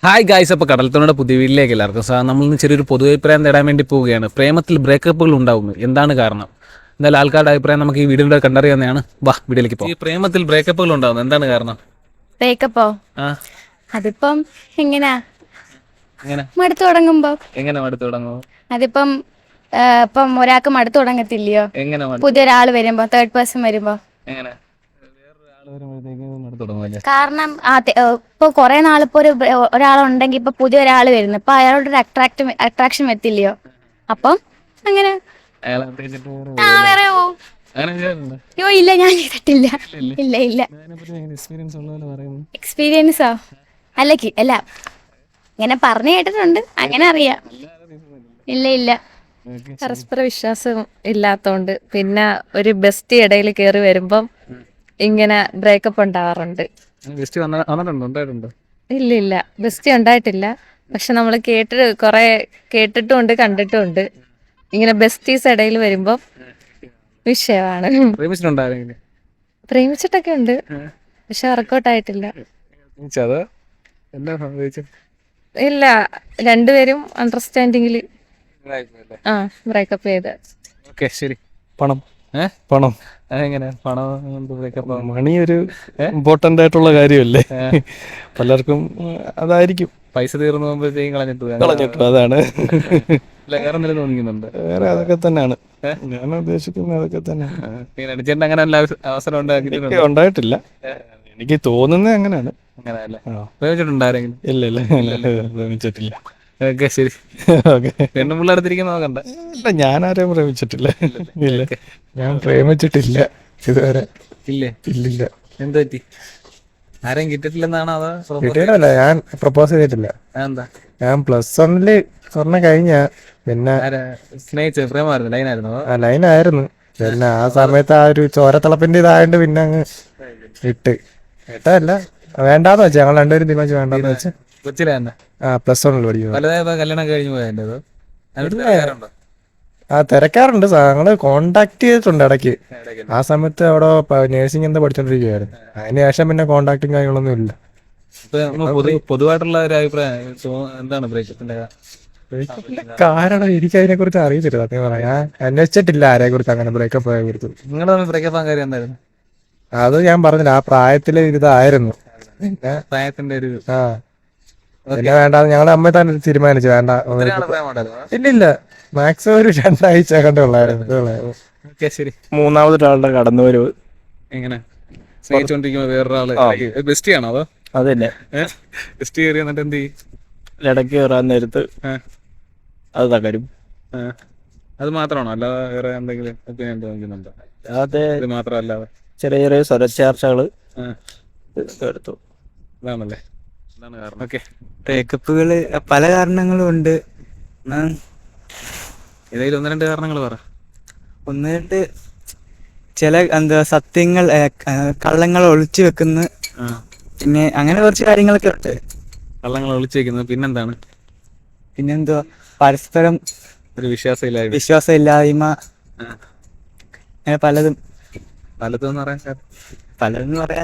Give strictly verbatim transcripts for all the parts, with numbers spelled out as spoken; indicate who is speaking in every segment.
Speaker 1: Hi guys, അപ്പോൾ കടൽത്തോണിയുടെ പുതിയ വീട്ടിലേക്ക് എല്ലാവർക്കും സാർ നമ്മളിന്ന് ചെറിയൊരു പൊതുവഭിപ്രായം തേടാൻ വേണ്ടി പോവുകയാണ്. പ്രേമത്തിൽ ബ്രേക്കപ്പുകൾ ഉണ്ടാവുന്നു, എന്താണ് കാരണം? എന്തായാലും ആൾക്കാരുടെ അഭിപ്രായം നമുക്ക് ഈ വീഡിയോയുടെ കണ്ടറിയാവുന്നതാണ്. വാ വീഡിയോയിലേക്ക് പോകും. ഈ പ്രേമത്തിൽ ബ്രേക്കപ്പുകൾ ഉണ്ടാവുന്നു, എന്താണ് കാരണം?
Speaker 2: ബ്രേക്കപ്പോ
Speaker 1: ആ
Speaker 2: അതിപ്പം എങ്ങനെയാ
Speaker 1: എങ്ങനെ
Speaker 2: മടുത്തു തുടങ്ങുമ്പോ
Speaker 1: എങ്ങനെ മടുത്തു തുടങ്ങുമോ?
Speaker 2: അതിപ്പം ആ, ഇപ്പം ഒരാൾക്ക് മടുത്തു തുടങ്ങത്തില്ലയോ?
Speaker 1: എങ്ങനെ മടുത്തു?
Speaker 2: പുതിയൊരാൾ വരുമ്പോ, തേർഡ് പേഴ്സൺ വരുമ്പോ.
Speaker 1: എങ്ങനെ വേറൊരാൾ വരുമ്പോഴത്തേക്ക് മടുത്തു തുടങ്ങുമല്ലേ?
Speaker 2: കാരണം ആ തെ- ഏ, ഇപ്പൊ കുറെ നാളിപ്പോ ഒരു ബ്ര- ഒരാളുണ്ടെങ്കിൽ ഇപ്പൊ പുതിയൊരാൾ വരുന്നു, ഇപ്പൊ അയാളോടൊരു അട്രാക്ട് അട്രാക്ഷൻ വരത്തില്ലയോ? അപ്പം അങ്ങനെ
Speaker 1: അയാളെ തേച്ചിട്ട് വേറെ
Speaker 2: ആ
Speaker 1: വരുമല്ലേ?
Speaker 2: വേറെ പോവും.
Speaker 1: അങ്ങനെ ചെയ്യാറുണ്ട്?
Speaker 2: അയ്യോ ഇല്ല, ഞാൻ ചെയ്തിട്ടില്ല.
Speaker 1: ഇല്ല.
Speaker 2: ഇല്ല ഇല്ല.
Speaker 1: അതിനെപ്പറ്റി എങ്ങനെ എക്സ്പീരിയൻസ് ഉള്ളതെന്ന് പറയുന്നു.
Speaker 2: എക്സ്പീരിയൻസോ? അല്ല കി- അല്ല ഇങ്ങനെ പറഞ്ഞു കേട്ടിട്ടുണ്ട്, അങ്ങനെ അറിയാം. ഇല്ല ഇല്ല.
Speaker 3: പരസ്പര വിശ്വാസം ഇല്ലാത്തോണ്ട് പിന്നെ ഒരു ബെസ്റ്റ് ഇടയിൽ കയറി വരുമ്പം ഇങ്ങനെ ബ്രേക്കപ്പ് ഉണ്ടാവാറുണ്ട്.
Speaker 1: ഗസ്റ്റ് വന്ന വന്നിട്ടുണ്ടോ ഉണ്ടായിട്ടുണ്ടോ?
Speaker 3: ഇല്ല ഇല്ല, ബെസ്റ്റ് ഉണ്ടായിട്ടില്ല. പക്ഷെ നമ്മൾ കേട്ട് കുറെ കേട്ടിട്ടുമുണ്ട് കണ്ടിട്ടുമുണ്ട്. ഇങ്ങനെ ബെസ്റ്റീസ് ഇടയിൽ വരുമ്പം വിഷയമാണ്.
Speaker 1: പ്രേമിച്ചിട്ടുണ്ടായിരുന്നെങ്കിൽ
Speaker 3: പ്രേമിച്ചിട്ടൊക്കെ ഉണ്ട്, പക്ഷെ വർക്കൗട്ട് ആയിട്ടില്ല.
Speaker 1: അത് എന്താ സംഭവിച്ചത്?
Speaker 3: ഇല്ല, രണ്ടുപേരും അണ്ടർസ്റ്റാൻഡിങ്ങിൽ ആ ബ്രേക്കപ്പ് ചെയ്ത്.
Speaker 1: ഓക്കെ ശരി.
Speaker 4: പണം
Speaker 1: ഏ
Speaker 4: പണം
Speaker 1: അതെങ്ങനെ പണം കൊണ്ട് ബ്രേക്കപ്പ്?
Speaker 4: മണി ഒരു ഇമ്പോർട്ടൻ്റ് ആയിട്ടുള്ള കാര്യമല്ലേ? പലർക്കും ഉം, അതായിരിക്കും
Speaker 1: പൈസ തീർന്നു പോകുമ്പോഴത്തേക്കും കളഞ്ഞിട്ട് പോയി.
Speaker 4: കളഞ്ഞിട്ടു. അതാണ്
Speaker 1: അല്ല വേറെ എന്തെങ്കിലും തോന്നിക്കുന്നുണ്ട്?
Speaker 4: വേറെ അതൊക്കെ തന്നെയാണ് ഞാൻ ഉദ്ദേശിക്കുന്നത്. അതൊക്കെ തന്നെയാണ്.
Speaker 1: അടിച്ചേട്ടൻ അങ്ങനെ വല്ല അവസ- അവസരം
Speaker 4: എനിക്ക്
Speaker 1: ഉണ്ടാക്കിയിട്ടുണ്ട്?
Speaker 4: ഉണ്ടായിട്ടില്ല, എനിക്ക് തോന്നുന്നത് അങ്ങനെയാണ്.
Speaker 1: അങ്ങനെ അല്ലേ?
Speaker 4: ആ.
Speaker 1: പ്രേമിച്ചിട്ടുണ്ടാരെങ്കിലും?
Speaker 4: ഇല്ല ഇല്ല പ്രേമിച്ചിട്ടില്ല.
Speaker 1: ഓക്കെ ശരി.
Speaker 4: ഓക്കെ.
Speaker 1: പെണ്ണും പിള്ളേർത്തിരിക്കുന്ന നോക്കണ്ട.
Speaker 4: ഇല്ല, ഞാൻ ആരെയും പ്രേമിച്ചിട്ടില്ല. ഇല്ല, ഞാൻ പ്രേമിച്ചിട്ടില്ല ഇതുവരെ.
Speaker 1: ഇല്ലേ?
Speaker 4: ഇല്ലില്ല.
Speaker 1: എന്ത് പറ്റി? ആരെയും കിട്ടിട്ടില്ലെന്നാണോ അതോ propose-
Speaker 4: കിട്ടിയിട്ടല്ല, ഞാൻ പ്രപ്പോസ് ചെയ്തിട്ടില്ല.
Speaker 1: അതെന്താ?
Speaker 4: ഞാൻ പ്ലസ് വണ്ണില് സ്വർണ്ണ കഴിഞ്ഞ പിന്നെ
Speaker 1: ആരാ സ്നേഹിച്ച പ്രേമായിരുന്നു? ലൈനായിരുന്നു അതോ?
Speaker 4: ആ ലൈനായിരുന്നു. പിന്നെ ആ സമയത്ത് ആ ഒരു ചോരത്തിളപ്പിന്റെ ഇതായോണ്ട് പിന്നെ അങ്ങ് ഇട്ട് ഇട്ടല്ല, വേണ്ടാന്ന് വെച്ചാ ഞങ്ങൾ രണ്ടുപേരും തീരുമാനിച്ചു വേണ്ടാന്ന് വെച്ച്.
Speaker 1: കൊച്ചിലെ തന്നെ
Speaker 4: ആ പ്ലസ് വണ്ണിൽ പഠിക്കുന്നത്.
Speaker 1: വലുതായപ്പോ കല്യാണം കഴിഞ്ഞു പോയതിൻ്റെ അതോ? അതിനോട് തിരക്കാറുണ്ടോ?
Speaker 4: ആ തിരക്കാറുണ്ട്, ഞങ്ങള് കോണ്ടാക്ട് ചെയ്തിട്ടുണ്ട് ഇടയ്ക്ക്. ആ സമയത്ത് അവിടെ നേഴ്സിംഗ് എന്താ പഠിച്ചോണ്ടിരിക്കുവായിരുന്നു. അതിന് ശേഷം പിന്നെ കോണ്ടാക്ടും കാര്യങ്ങളൊന്നും ഇല്ല.
Speaker 1: ഇപ്പൊ നമ്മ പൊതു പൊതുവായിട്ടുള്ള ഒരു അഭിപ്രായം തോ- എന്താണ് ബ്രേക്കപ്പിന്റെ?
Speaker 4: ബ്രേക്കപ്പിന്റെ കാരണം എനിക്ക് അതിനെ കുറിച്ച് അറിയത്തില്ല സത്യം പറയാം. ഞാൻ അന്വേഷിച്ചിട്ടില്ല ആരെ കുറിച്ച് അങ്ങനെ ബ്രേക്കപ്പ് ആയ കുറിച്ച്.
Speaker 1: നിങ്ങളുടെ തമ്മിൽ ബ്രേക്കപ്പ് ആകാൻ കാര്യം എന്തായിരുന്നു?
Speaker 4: അത് ഞാൻ പറഞ്ഞില്ല, ആ പ്രായത്തില് ഇതായിരുന്നു. പിന്നെ
Speaker 1: പ്രായത്തിന്റെ ഒരു
Speaker 4: ആ പിന്നെ വേണ്ടാന്ന് ഞങ്ങളുടെ അമ്മ തന്നെ തീരുമാനിച്ചു, വേണ്ട.
Speaker 1: ഒരാളെ പ്രേമുണ്ടായിരുന്നു?
Speaker 4: ഇല്ലില്ല, മാക്സിമം ഒരു രണ്ടാഴ്ച കണ്ടേ ഉള്ളായിരുന്നു.
Speaker 1: ഓക്കെ ശരി.
Speaker 4: മൂന്നാമതൊരാളുടെ കടന്നുവരവ്.
Speaker 1: എങ്ങനെ സ്നേഹിച്ചോണ്ടിരിക്കുമ്പോ വേറൊരാള് ബെസ്റ്റ് ആണോ അതോ?
Speaker 4: അത് തന്നെ.
Speaker 1: ബെസ്റ്റ് കയറി എന്നിട്ട് എന്ത് ചെയ്യും?
Speaker 4: ഇടയ്ക്ക് കയറാൻ നേരത്ത്
Speaker 1: ആ,
Speaker 4: അത് തകരും.
Speaker 1: ആ. അത് മാത്രമാണോ അല്ലാതെ വേറെ എന്തെങ്കിലും ഒപ്പീനിയൻ തോന്നിക്കുന്നുണ്ടോ?
Speaker 4: അതെ,
Speaker 1: ഇത് മാത്രമല്ലാതെ
Speaker 4: ചെറിയ ചെറിയ സ്വരച്ചേർച്ചകള്
Speaker 1: ആ,
Speaker 4: എടുത്തു.
Speaker 1: ഇതാണല്ലേ? ഇതാണ് കാരണം. ഓക്കെ.
Speaker 5: ബ്രേക്കപ്പുകൾ പല കാരണങ്ങളും ഉണ്ട്.
Speaker 1: ഏതെങ്കിലും ഒന്ന് രണ്ട് കാരണങ്ങൾ പറ.
Speaker 5: ഒന്ന് രണ്ട് ചില എന്താ സത്യങ്ങൾ ഏ, ക- കള്ളങ്ങൾ ഒളിച്ചു വെക്കുന്ന,
Speaker 1: ആ,
Speaker 5: പിന്നെ അങ്ങനെ കുറച്ച് കാര്യങ്ങളൊക്കെ ഉണ്ട്.
Speaker 1: കള്ളങ്ങൾ ഒളിച്ചേക്കുന്നത് പിന്നെന്താണ്?
Speaker 5: പിന്നെന്തുവാ, പരസ്പരം
Speaker 1: ഒരു വിശ്വാസമില്ലായ്മ.
Speaker 5: വിശ്വാസം ഇല്ലായ്മ,
Speaker 1: ആ,
Speaker 5: അങ്ങനെ പലതും.
Speaker 1: പലതെന്ന് പറയാൻ കാരണം
Speaker 5: പലതെന്ന് പറയാൻ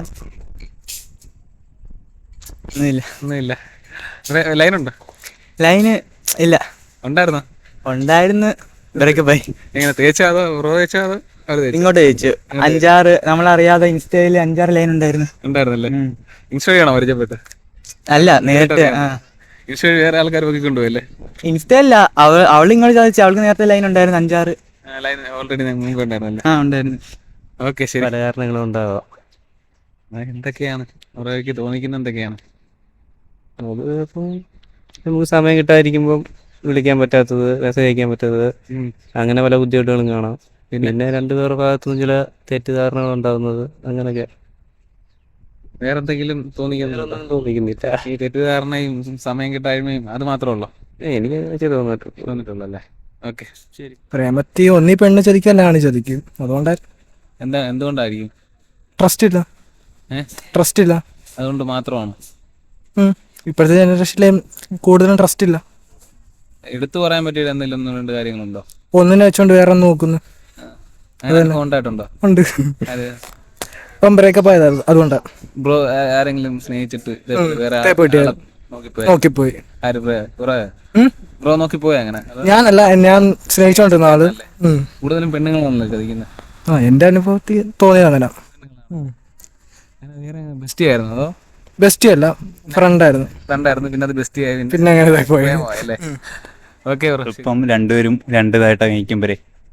Speaker 5: ഒന്നുമില്ല.
Speaker 1: ഒന്നുമില്ല. ലൈനുണ്ടോ?
Speaker 5: ലൈന് ഇല്ല,
Speaker 1: ഉണ്ടായിരുന്നോ?
Speaker 5: ഉണ്ടായിരുന്നു, ബ്രേക്കപ്പായി.
Speaker 1: എങ്ങനെ തേച്ചാ അതോ റോ തേച്ചാ അതോ അവർ തേച്ചു?
Speaker 5: ഇങ്ങോട്ട് ചോദിച്ചു. അഞ്ചാറ് നമ്മളറിയാതെ ഇൻസ്റ്റയിൽ അഞ്ചാറ് ലൈൻ ഉണ്ടായിരുന്നു.
Speaker 1: ഉണ്ടായിരുന്നല്ലേ?
Speaker 5: ഉം.
Speaker 1: ഇൻസ്റ്റ വഴിയാണോ പരിചയപ്പെട്ട്?
Speaker 5: അല്ല, നേരിട്ട്. ആ
Speaker 1: ഇൻസ്റ്റ വഴി വേറെ ആൾക്കാർ നോക്കി കൊണ്ടുപോയല്ലേ?
Speaker 5: ഇൻസ്റ്റ അല്ല, അവൾ അവൾ ഇങ്ങോട്ട് ചോദിച്ചു. അവൾക്ക് നേരത്തെ ലൈൻ ഉണ്ടായിരുന്നു, അഞ്ചാറ്.
Speaker 1: ലൈൻ ഓൾറെഡി മുമ്പ് ഉണ്ടായിരുന്നല്ലേ?
Speaker 5: ആ ഉണ്ടായിരുന്നു.
Speaker 1: ഓക്കെ ശരി.
Speaker 4: പല കാരണങ്ങളും ഉണ്ടാവാം.
Speaker 1: ആ, എന്തൊക്കെയാണ് അവർക്ക് തോന്നിക്കുന്ന എന്തൊക്കെയാണ്?
Speaker 4: അത് ഇപ്പം നമുക്ക് സമയം കിട്ടാതിരിക്കുമ്പം വിളിക്കാൻ പറ്റാത്തത്, മെസ്സേജ് അയക്കാൻ പറ്റാത്തത്,
Speaker 1: ഉം.
Speaker 4: അങ്ങനെ പല ബുദ്ധിമുട്ടുകളും കാണാം.
Speaker 1: പിന്നെ
Speaker 4: പിന്നെ രണ്ടുപേരുടെ ഭാഗത്തുനിന്ന് ചില തെറ്റിദ്ധാരണകൾ ഉണ്ടാകുന്നത്, അങ്ങനെയൊക്കെ.
Speaker 1: വേറെ എന്തെങ്കിലും തോന്നിക്കുന്നുണ്ടോ?
Speaker 4: ഒന്നും തോന്നിക്കുന്നില്ല.
Speaker 1: ഈ തെറ്റിദ്ധാരണയും സമയം കിട്ടായ്മയും അത് മാത്രമേ ഉള്ളൂ
Speaker 4: ഏ, എനിക്ക് അങ്ങനെ തോന്നിട്ടുണ്ട്.
Speaker 1: തോന്നിട്ടുള്ളൂ അല്ലേ? ഓക്കെ ശരി.
Speaker 6: പ്രേമത്തി ഒന്നീ പെണ്ണ് ചതിക്കും അല്ല ആണ് ചതിക്കും. അതുകൊണ്ട്
Speaker 1: എന്താ എന്തുകൊണ്ടായിരിക്കും?
Speaker 6: ട്രസ്റ്റ് ഇല്ല,
Speaker 1: ഏ
Speaker 6: ട്രസ്റ്റ് ഇല്ല.
Speaker 1: അതുകൊണ്ട് മാത്രമാണ്?
Speaker 6: ഉം. ഇപ്പോഴത്തെ ജനറേഷനിലെ കൂടുതലും ട്രസ്റ്റ് ഇല്ല.
Speaker 1: എടുത്തു പറയാൻ പറ്റിയ എന്തെങ്കിലും ഒന്ന് രണ്ട് കാര്യങ്ങളുണ്ടോ?
Speaker 6: ഒന്നിനെ വെച്ചോണ്ട് വേറെ ഒന്ന് നോക്കുന്നു.
Speaker 1: അങ്ങനെ കോണ്ടായിട്ടുണ്ടോ?
Speaker 6: ഉണ്ട്.
Speaker 1: അത്
Speaker 6: ഇപ്പം ബ്രേക്കപ്പ് ആയതായിരുന്നു അതുകൊണ്ടാ.
Speaker 1: ബ്രോ ആരെങ്കിലും സ്നേഹിച്ചിട്ട് ഇതേപോലെ വേറെ
Speaker 6: തേപ്പ് കിട്ടിയായിരുന്നു.
Speaker 1: നോക്കിപ്പോയി
Speaker 6: നോക്കിപ്പോയി.
Speaker 1: ആര് ബ്രോ
Speaker 6: ഉം?
Speaker 1: ബ്രോ നോക്കിപ്പോയി അങ്ങനെ അതോ
Speaker 6: ഞാനല്ല, ഞാൻ സ്നേഹിച്ചോണ്ടിരുന്ന ആള്. ഉം.
Speaker 1: കൂടുതലും പെണ്ണുങ്ങളാണല്ലോ ചതിക്കുന്നത്.
Speaker 6: ആ എന്റെ അനുഭവത്തിൽ തോന്നിയത് അങ്ങനെ.
Speaker 1: വേറെ ബെസ്റ്റി ആയിരുന്നു അതോ
Speaker 6: ബെസ്റ്റി അല്ല, ഫ്രണ്ടായിരുന്നു.
Speaker 1: രണ്ടായിരുന്നു പിന്നെ അത് ബെസ്റ്റി ആയി പിന്നെ
Speaker 6: പിന്നെ അങ്ങനെ ഇതായി പോയി.
Speaker 1: പ്രേമമായല്ലേ? ഓക്കെ ബ്രോ
Speaker 7: ഇപ്പം രണ്ടുപേരും രണ്ട് ഇതായിട്ടാണ് കഴിക്കുമ്പോഴേ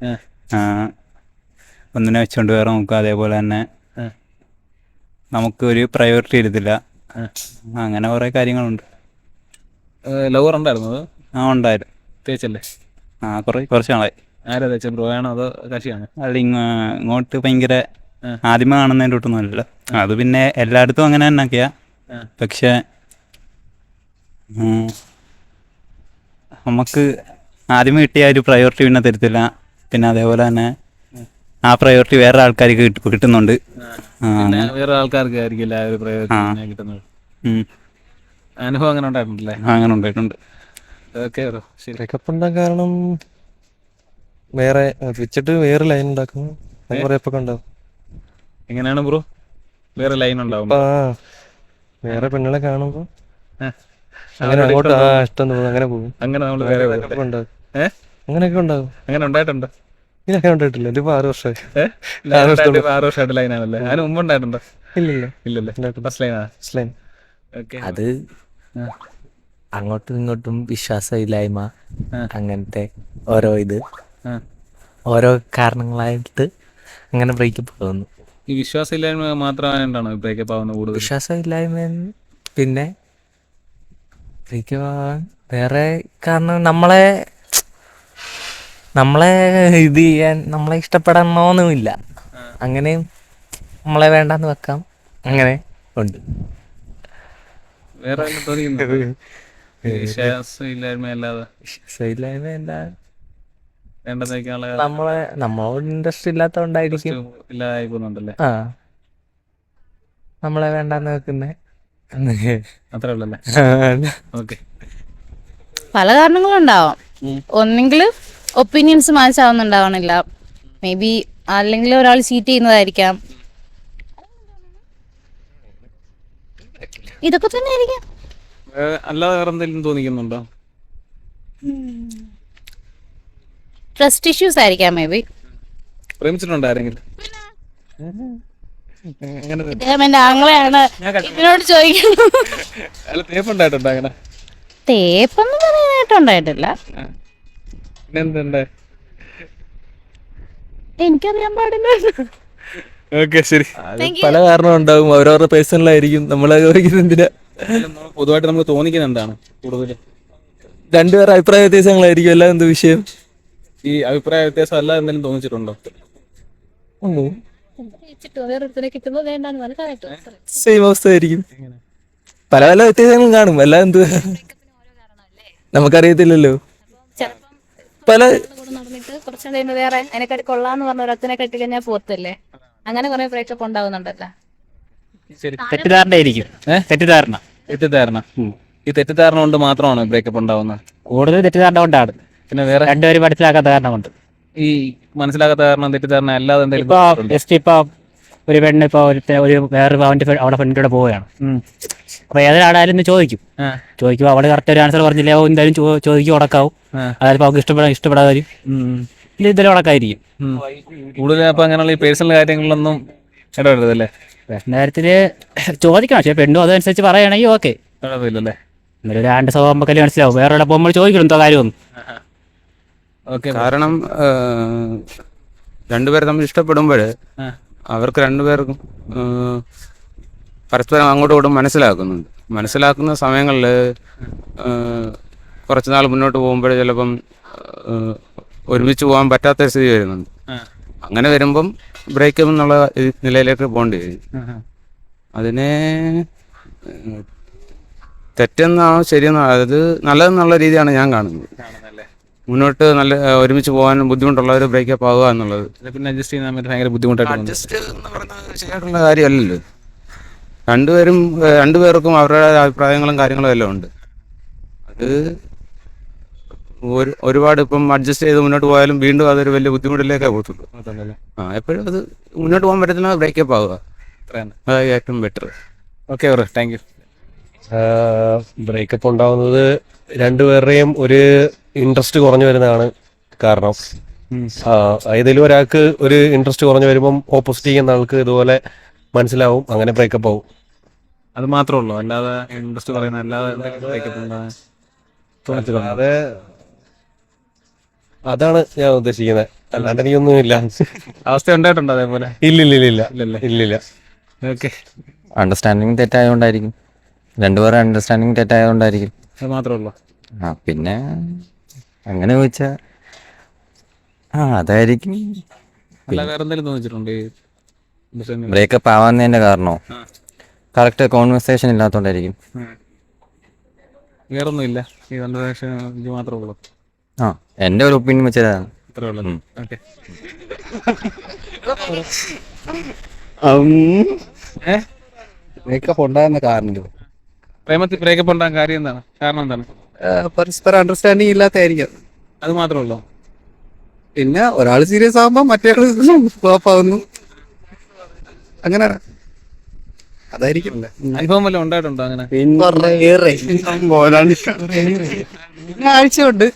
Speaker 7: ഒന്നിനെ വെച്ചുകൊണ്ട് വേറെ നോക്കുക. അതേപോലെ തന്നെ നമുക്ക് ഒരു പ്രയോറിറ്റി എടുത്തില്ല. അങ്ങനെ കുറേ കാര്യങ്ങളുണ്ട്.
Speaker 1: ലവർ ഉണ്ടായിരുന്നു അത്
Speaker 7: ആ ഉണ്ടായിരുന്നു.
Speaker 1: തേച്ചല്ലേ?
Speaker 7: ആ കുറേ കുറച്ച് നാളായി.
Speaker 1: ആരാ തേച്ച ബ്രോ ആണോ അതോ കക്ഷിയാണോ?
Speaker 7: അല്ല ഇങ്ങ ഇങ്ങോട്ട് ഭയങ്കര ആദ്യമേ കാണുന്നതിൻ്റെ ഒട്ടൊന്നും അല്ല. അത് പിന്നെ എല്ലായിടത്തും അങ്ങനെ തന്നെയൊക്കെയാ. പക്ഷേ ഉം, നമുക്ക് ആദ്യമേ കിട്ടിയ ഒരു പ്രയോറിറ്റി പിന്നെ തരത്തില്ല. പിന്നെ അതേപോലെ തന്നെ ആ പ്രയോറിറ്റി വേറെ ആൾക്കാർക്ക് കിട്ട- കിട്ടുന്നുണ്ട്. ആ,
Speaker 1: പിന്നെ
Speaker 7: അങ്ങനെ.
Speaker 1: വേറെ ആൾക്കാർക്ക് ആയിരിക്കില്ല ആ ഒരു
Speaker 7: ആ.
Speaker 1: പ്രയോജനം കിട്ടുന്നത്.
Speaker 7: ഉം,
Speaker 1: അനുഭവം അങ്ങനെ ഉണ്ടായിട്ടുണ്ടല്ലേ?
Speaker 7: അങ്ങനെ ഉണ്ടായിട്ടുണ്ട്.
Speaker 1: ഓക്കെ ബ്രോ ശരി.
Speaker 4: ബ്രേക്കപ്പ് ഉണ്ടാകാൻ കാരണം വേറെ വെച്ചിട്ട് വേറെ ലൈൻ ഉണ്ടാക്കും. അത് കുറെ ഇപ്പൊ ഉണ്ടാവും.
Speaker 1: എങ്ങനെയാണ് ബ്രോ? വേറെ ലൈൻ ഉണ്ടാവും
Speaker 4: ഇപ്പൊ ആ വേറെ പെണ്ണുങ്ങളെ കാണുമ്പോ
Speaker 1: ഏ.
Speaker 4: അങ്ങനെ
Speaker 1: അവരോട്
Speaker 4: അങ്ങോട്ട്
Speaker 1: ഇഷ്ടം
Speaker 4: ആ
Speaker 1: തോന്നും.
Speaker 4: ഇഷ്ടം തോന്നും, അങ്ങനെ പോകും.
Speaker 1: അങ്ങനെ നമ്മൾ വേറെ പോകും.
Speaker 4: അങ്ങനെയൊക്കെ ഉണ്ടാവും.
Speaker 1: ഏ
Speaker 4: അങ്ങനെയൊക്കെ ഉണ്ടാവും.
Speaker 1: അങ്ങനെ ഉണ്ടായിട്ടുണ്ടോ?
Speaker 4: ഇതൊക്കെ ഉണ്ടായിട്ടില്ല. ഇതിപ്പോ ആറ് വർഷമായി.
Speaker 1: ഏഹ്
Speaker 4: ആറ് വർഷത്തോളം.
Speaker 1: ആറ് വർഷമായിട്ട് ലൈനാണല്ലേ? അതിന് മുമ്പ് ഉണ്ടായിട്ടുണ്ടോ?
Speaker 4: ഇല്ലില്ല.
Speaker 1: ഇല്ലല്ലേ?
Speaker 4: ഉണ്ടായിട്ടില്ല.
Speaker 1: ഫസ്റ്റ് ലൈനാ?
Speaker 4: Line
Speaker 1: okay.
Speaker 8: അത് അങ്ങോട്ടും ഇങ്ങോട്ടും വിശ്വാസമില്ലായ്മ, അങ്ങനത്തെ ഓരോ ഇത് ഓരോ കാരണങ്ങളായിട്ട് അങ്ങനെ ബ്രേക്കപ്പ് ആവുന്നു.
Speaker 1: ഈ വിശ്വാസമില്ലായ്മ മാത്രമായിട്ടാണോ ബ്രേക്കപ്പ് ആവുന്നത് കൂടുതൽ?
Speaker 8: വിശ്വാസമില്ലായ്മ പിന്നെ ബ്രേക്കപ്പ് ആവാൻ വേറെ കാരണം നമ്മളെ നമ്മളെ ഇത് ചെയ്യാൻ നമ്മളെ ഇഷ്ടപ്പെടണമെന്നുമില്ല. അങ്ങനെയും നമ്മളെ വേണ്ടാന്ന് വെക്കാം. അങ്ങനെ ഉണ്ട്.
Speaker 1: വേറെ വല്ലതും തോന്നിക്കുന്നുണ്ടോ? വിശ്വാസമില്ലായ്മ അല്ലാതെ
Speaker 8: വിശ്വാസമില്ലായ്മ എന്താ,
Speaker 1: വേണ്ടെന്ന് വെക്കാനുള്ള
Speaker 8: നമ്മളെ നമ്മളോട് ഇൻട്രസ്റ്റ് ഇല്ലാത്തതുകൊണ്ടായിരിക്കും.
Speaker 1: ഇല്ലാതായി പോകുന്നുണ്ടല്ലേ?
Speaker 8: ആ നമ്മളെ വേണ്ടാന്ന് വെക്കുന്നേ.
Speaker 1: അത്രേ ഉള്ളല്ലേ? ഓക്കെ.
Speaker 2: പല കാരണങ്ങളുണ്ടാവാം. ഒന്നെങ്കിൽ ഒപ്പീനിയൻസ് മാച്ച് ആവുന്നുണ്ടാവണില്ല, മേ ബി അല്ലെങ്കിൽ ഒരാൾ ചീറ്റ് ചെയ്യുന്നതായിരിക്കാം. ഇതൊക്കെ തന്നെ ആയിരിക്കാം.
Speaker 1: അല്ലാതെ വേറെ എന്തെങ്കിലും തോന്നിക്കുന്നുണ്ടോ?
Speaker 2: ട്രസ്റ്റ് ഇഷ്യൂസ് ആയിരിക്കാം മേ ബി.
Speaker 1: പ്രേമിച്ചിട്ടുണ്ടോ ആരെങ്കിലും? അങ്ങനെ
Speaker 2: ഇദ്ദേഹം എന്റെ ആങ്ങളെയാണ്, ഇതിനോട് ചോദിക്കുന്നു.
Speaker 1: അല്ല തേപ്പുണ്ടായിട്ടുണ്ടോ അങ്ങനെ?
Speaker 2: തേപ്പൊന്നും പറയാനായിട്ടുണ്ടായിട്ടില്ല.
Speaker 1: പിന്നെ എന്തുണ്ട്?
Speaker 2: എനിക്കറിയാൻ പാടില്ല.
Speaker 1: ഓക്കെ ശരി.
Speaker 6: പല കാരണം ഉണ്ടാവും, അവരവരുടെ പേഴ്സണലായിരിക്കും. നമ്മളെ എന്തിനാ?
Speaker 1: പൊതുവായിട്ട് നമുക്ക് തോന്നിക്കുന്നത് എന്താണ് കൂടുതൽ?
Speaker 6: രണ്ടുപേരുടെ അഭിപ്രായ വ്യത്യാസങ്ങളായിരിക്കും. എല്ലാം എന്ത് വിഷയം?
Speaker 1: ഈ അഭിപ്രായ വ്യത്യാസം അല്ല എന്തെങ്കിലും തോന്നിച്ചിട്ടുണ്ടോ?
Speaker 6: സെയിം അവസ്ഥയായിരിക്കും. പല പല വ്യത്യാസങ്ങളും കാണും. എല്ലാം എന്ത് നമുക്കറിയത്തില്ലല്ലോ. പല
Speaker 2: നടന്നിട്ട് കുറച്ചു കഴിയുമ്പോ വേറെ അതിനെക്കാട്ടി കൊള്ളാന്ന് പറഞ്ഞ ഒരത്തിനെ കെട്ടി കഴിഞ്ഞാൽ പോത്തല്ലേ. അങ്ങനെ കുറെ ബ്രേക്കപ്പ് ഉണ്ടാവുന്നുണ്ടല്ലോ.
Speaker 1: ശരി.
Speaker 7: തെറ്റിദ്ധാരണ ആയിരിക്കും. തെറ്റിദ്ധാരണ
Speaker 1: തെറ്റിദ്ധാരണ. ഈ തെറ്റിദ്ധാരണ കൊണ്ട് മാത്രമാണോ ബ്രേക്കപ്പ് ഉണ്ടാവുന്നത്?
Speaker 7: കൂടുതൽ തെറ്റിദ്ധാരണ കൊണ്ടാണ്.
Speaker 1: പിന്നെ വേറെ
Speaker 7: രണ്ടുപേരും മനസ്സിലാക്കാത്ത കാരണം കൊണ്ട്.
Speaker 1: ഈ മനസ്സിലാകാത്ത കാരണം തെറ്റിദ്ധാരണ അല്ലാതെ
Speaker 7: ഇപ്പൊ
Speaker 1: എന്തെങ്കിലും?
Speaker 7: ജസ്റ്റ് ഇപ്പൊ ഒരു പെണ്ണ് ഇപ്പൊ ഒരു ഒരു വേറൊരു അവന്റെ അവിടെ ഫ്രണ്ടിലൂടെ പോവുകയാണ്. അപ്പൊ ഏതൊരാളായാലും ഇന്ന് ചോദിക്കും. ചോദിക്കുമ്പോൾ അവള് കറക്റ്റ് ഒരു ആൻസർ പറഞ്ഞില്ലേ, എന്തായാലും ചോദിക്കും, ഉടക്കാവും. അതായത് അവർക്ക് ഇഷ്ടപ്പെടാൻ ഇഷ്ടപ്പെടാതെ വരും. ഇല്ല ഇതെല്ലാം ഉടക്കായിരിക്കും.
Speaker 1: കൂടുതൽ അപ്പൊ അങ്ങനെയുള്ള ഈ പേഴ്സണൽ കാര്യങ്ങളിലൊന്നും ഇടപെടരുതല്ലേ?
Speaker 7: പേഴ്സണൽ കാര്യത്തില് ചോദിക്കണം. പക്ഷെ പെണ്ണും അതനുസരിച്ച് പറയുകയാണെങ്കിൽ ഓക്കെ,
Speaker 1: കുഴപ്പമില്ലല്ലേ?
Speaker 7: എന്നാലും ഒരു ആണ്ട് സ്വഭാവം നമുക്കല്ലേ മനസ്സിലാവും. വേറെ എവിടെ പോകുമ്പോൾ ചോദിക്കണം എന്തോ കാര്യമൊന്നും.
Speaker 1: ഓക്കെ.
Speaker 9: കാരണം രണ്ടുപേരെ തമ്മിൽ ഇഷ്ടപ്പെടുമ്പോൾ അവർക്ക് രണ്ടുപേർക്കും പരസ്പരം അങ്ങോട്ടും ഇങ്ങോട്ടും മനസ്സിലാക്കുന്നുണ്ട്. മനസ്സിലാക്കുന്ന സമയങ്ങളിൽ കുറച്ച് നാൾ മുന്നോട്ട് പോകുമ്പോൾ ചിലപ്പം ഒരുമിച്ച് പോകാൻ പറ്റാത്ത സ്ഥിതി വരുന്നുണ്ട്. അങ്ങനെ വരുമ്പം ബ്രേക്കപ്പ് എന്നുള്ള നിലയിലേക്ക് പോകേണ്ടി വരും. അതിനെ തെറ്റെന്നാണോ ശരിയെന്നാണോ, അത് നല്ലതെന്നുള്ള രീതിയാണ് ഞാൻ കാണുന്നത്. മുന്നോട്ട് നല്ല ഒരുമിച്ച് പോകാൻ ബുദ്ധിമുട്ടുള്ള ഒരു ബ്രേക്കപ്പ് ആവുക എന്നുള്ളത്
Speaker 1: പിന്നെ അഡ്ജസ്റ്റ് ചെയ്യാൻ വേണ്ടി ഭയങ്കര ബുദ്ധിമുട്ടായിട്ട്
Speaker 9: അഡ്ജസ്റ്റ് എന്ന് പറയുന്നത് ശരിയായിട്ടുള്ള കാര്യമല്ലല്ലോ. രണ്ടുപേരും രണ്ടുപേർക്കും അവരുടെ അഭിപ്രായങ്ങളും കാര്യങ്ങളും എല്ലാം ഉണ്ട്. അത് ഒരു ഒരുപാട് ഇപ്പം അഡ്ജസ്റ്റ് ചെയ്ത് മുന്നോട്ട് പോയാലും വീണ്ടും അതൊരു വലിയ ബുദ്ധിമുട്ടിലേക്കേ പോകത്തുള്ളൂ. ആ എപ്പോഴും അത് മുന്നോട്ട് പോകാൻ പറ്റത്തില്ല, ബ്രേക്കപ്പ് ആവുക. അതാണ് ഏറ്റവും better.
Speaker 1: Okay bro, thank you.
Speaker 10: Breakup ഉണ്ടാവുന്നത് രണ്ടുപേരുടെയും ഒരു ഇൻട്രസ്റ്റ് കുറഞ്ഞു വരുന്നതാണ് കാരണം. ആ, ഏതെങ്കിലും ഒരാൾക്ക് ഒരു ഇൻട്രസ്റ്റ് കുറഞ്ഞു വരുമ്പം ഓപ്പോസിറ്റ് ചെയ്യുന്ന ആൾക്ക് ഇതുപോലെ മനസ്സിലാവും, അങ്ങനെ ബ്രേക്കപ്പ് ആവും.
Speaker 1: അത് മാത്രമേ ഉള്ളൂ, അല്ലാതെ ഇൻട്രസ്റ്റ് പറയുന്ന അല്ലാതെ breakup ഉണ്ടാകാൻ തോന്നിച്ചിട്ടുണ്ടോ?
Speaker 10: അതെ, അതാണ് ഞാൻ ഉദ്ദേശിക്കുന്നത്. അല്ലാണ്ട് എനിക്കൊന്നും ഇല്ല.
Speaker 1: അവസ്ഥ ഉണ്ടായിട്ടുണ്ടോ അതേപോലെ?
Speaker 10: ഇല്ലില്ല
Speaker 1: ഇല്ലല്ലേ?
Speaker 10: ഇല്ലില്ല.
Speaker 1: ഓക്കെ,
Speaker 8: അണ്ടർസ്റ്റാൻഡിങ് തെറ്റായതുകൊണ്ടായിരിക്കും, രണ്ടുപേരും അണ്ടർസ്റ്റാൻഡിങ് തെറ്റായതുകൊണ്ടായിരിക്കും.
Speaker 1: അത് മാത്രമേ ഉള്ളൂ.
Speaker 8: ആ പിന്നെ അങ്ങനെ ചോദിച്ചാ ആ അതായിരിക്കും.
Speaker 1: അല്ല വേറെ എന്തെങ്കിലും തോന്നിച്ചിട്ടുണ്ടോ ഈ understanding?
Speaker 8: ബ്രേക്കപ്പ് ആവാന്നതിന്റെ കാരണോ
Speaker 1: ആ.
Speaker 8: കറക്റ്റ് കോൺവെർസേഷൻ ഇല്ലാത്തോണ്ടായിരിക്കും.
Speaker 1: ഉം. വേറൊന്നും ഇല്ല, ഈ കൺവെർസേഷൻ ഇത് മാത്രമേ ഉള്ളൂ.
Speaker 8: ആ എൻ്റെ ഒരു ഒപ്പീനിയൻ വെച്ചതാണ്.
Speaker 1: അത്രേ ഉള്ളൂ. ഓക്കെ.
Speaker 6: ബ്രേക്കപ്പ് ഉണ്ടാകുന്ന കാരണം
Speaker 1: പ്രേമത്തിൽ ബ്രേക്കപ്പ് ഉണ്ടാകാൻ കാര്യം എന്താണ്? കാരണം എന്താണ്?
Speaker 6: പരസ്പരം അണ്ടർസ്റ്റാൻഡിങ് ഇല്ലാത്തായിരിക്കും.
Speaker 1: അത് മാത്രമേ ഉള്ളൂ.
Speaker 6: പിന്നെ ഒരാൾ സീരിയസ് ആകുമ്പോൾ മറ്റേ ഫ്ലോപ്പ് ആവുന്നു, അങ്ങനെ അതായിരിക്കും.
Speaker 1: അനുഭവം വല്ലതും ഉണ്ടായിട്ടുണ്ടോ അങ്ങനെ?
Speaker 6: ആഴ്ചയുണ്ട്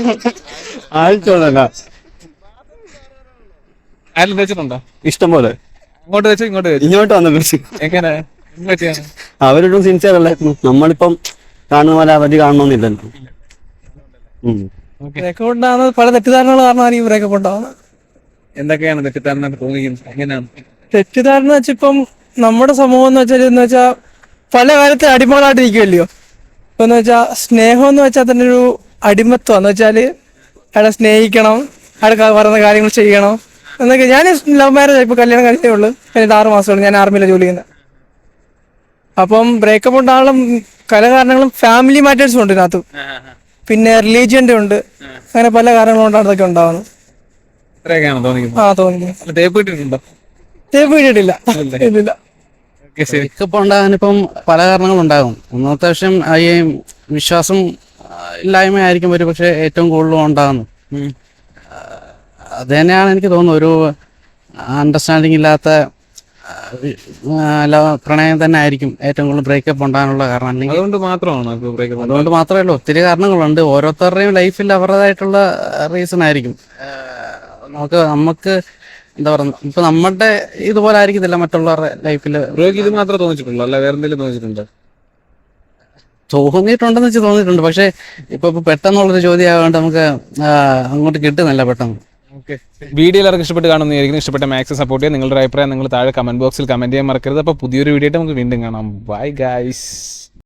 Speaker 1: ആരും വെച്ചിട്ടുണ്ടോ?
Speaker 6: ഇഷ്ടം പോലെ
Speaker 1: അങ്ങോട്ട് വെച്ചോ ഇങ്ങോട്ട് വെച്ചോ?
Speaker 6: ഇങ്ങോട്ട് വന്നു.
Speaker 1: എങ്ങനെ പറ്റിയാണ്?
Speaker 6: അവരൊട്ടും സിൻസിയർ അല്ലായിരുന്നു. നമ്മളിപ്പം കാണുന്ന പോലെ അവധി കാണണമെന്നില്ലല്ലോ.
Speaker 5: ബ്രേക്കപ്പ് ഉണ്ടാകുന്നത് പല തെറ്റിദ്ധാരണകൾ കാരണമാണ് ഈ ബ്രേക്കപ്പ് ഉണ്ടാകുന്നത്.
Speaker 1: എന്തൊക്കെയാണ് തെറ്റിദ്ധാരണ തോന്നിക്കുന്നത്? എങ്ങനെയാണ്?
Speaker 5: തെറ്റിദ്ധാരണ വെച്ചാൽ ഇപ്പം നമ്മുടെ സമൂഹം എന്ന് വെച്ചാൽ എന്ന് വെച്ചാൽ പല കാര്യത്തിൽ അടിമകളായിട്ട് ഇരിക്കുമല്ലയോ. ഇപ്പം എന്ന് വെച്ചാൽ സ്നേഹം എന്ന് വെച്ചാൽ തന്നെ ഒരു അടിമത്വം എന്ന് വെച്ചാൽ അയാളെ സ്നേഹിക്കണം, അയാൾ പറയുന്ന കാര്യങ്ങൾ ചെയ്യണം എന്നൊക്കെ. ഞാൻ ലവ് മാരേജ് ഇപ്പൊ കല്യാണം കഴിച്ചേ ഉള്ളൂ, കഴിഞ്ഞിട്ട് ആറ് മാസമുള്ളൂ. ഞാൻ ആർമിയിലാണ് ജോലി ചെയ്യുന്നത്. അപ്പം ബ്രേക്കപ്പ് ഉണ്ടാകാനുള്ള പല കാരണങ്ങളും ഫാമിലി മാറ്റേഴ്സും ഉണ്ട് ഇതിനകത്ത്, പിന്നെ റിലീജിയന്റെ ഉണ്ട്, അങ്ങനെ പല കാരണങ്ങൾ കൊണ്ടാണ് ഇതൊക്കെ ഉണ്ടാവുന്നത്.
Speaker 1: ഇത്രയൊക്കെയാണ് തോന്നിക്കുന്നത്.
Speaker 5: ആ തോന്നുന്നു.
Speaker 1: അല്ല, തേപ്പ് ഇട്ടിട്ടുണ്ടോ?
Speaker 5: തേപ്പ് കിട്ടിയിട്ടില്ല. ഇല്ലില്ല.
Speaker 1: ഓക്കെ, ശരി.
Speaker 6: ബ്രേക്കപ്പ് ഉണ്ടാകാനിപ്പം പല കാരണങ്ങളുണ്ടാകും. ഒന്നാമത്തെ വർഷം ഈ വിശ്വാസം ഇല്ലായ്മ ആയിരിക്കും ഒരു പക്ഷേ ഏറ്റവും കൂടുതലും ഉണ്ടാകുന്നത്. അത് തന്നെയാണ് എനിക്ക് തോന്നുന്നത്. ഒരു അണ്ടർസ്റ്റാൻഡിങ് ഇല്ലാത്ത പ്രണയം തന്നെ ആയിരിക്കും ഏറ്റവും കൂടുതൽ ബ്രേക്കപ്പ് ഉണ്ടാകാനുള്ള കാരണം. അല്ലെങ്കിൽ
Speaker 1: അതുകൊണ്ട് മാത്രമാണോ ഇപ്പൊ ബ്രേക്കപ്പ്?
Speaker 6: അതുകൊണ്ട് മാത്രമേ ഉള്ളൂ, ഒത്തിരി കാരണങ്ങളുണ്ട്. ഓരോരുത്തരുടെയും ലൈഫിൽ അവരുടേതായിട്ടുള്ള റീസൺ ആയിരിക്കും. നമുക്ക് നമുക്ക് എന്താ പറയുക, ഇപ്പൊ നമ്മുടെ ഇതുപോലെ ആയിരിക്കത്തില്ല മറ്റുള്ളവരുടെ ലൈഫിൽ.
Speaker 1: ബ്രോയ്ക്ക് ഇത് മാത്രമേ തോന്നിച്ചിട്ടുള്ളൂ, അല്ല വേറെ എന്തെങ്കിലും തോന്നിച്ചിട്ടുണ്ടോ?
Speaker 6: തോന്നിയിട്ടുണ്ടെന്ന് വെച്ച് തോന്നിയിട്ടുണ്ട്. പക്ഷെ ഇപ്പൊ ഇപ്പൊ പെട്ടെന്നുള്ളൊരു ചോദ്യം ആയതുകൊണ്ട് നമുക്ക് അങ്ങോട്ട് കിട്ടുന്നില്ല പെട്ടെന്ന്.
Speaker 1: ഓക്കെ, വീഡിയോ എല്ലാവർക്കും ഇഷ്ടപ്പെട്ട് കാണുന്നതായിരിക്കും. ഇഷ്ടപ്പെട്ട മാക്സിമം സപ്പോർട്ട് ചെയ്യുക. നിങ്ങളുടെ അഭിപ്രായം നിങ്ങൾ താഴെ കമന്റ് ബോക്സിൽ കമന്റ് ചെയ്യാൻ മറക്കരുത്. അപ്പോൾ പുതിയൊരു വീഡിയോ ആയിട്ട് നമുക്ക് വീണ്ടും കാണാം. Bye guys.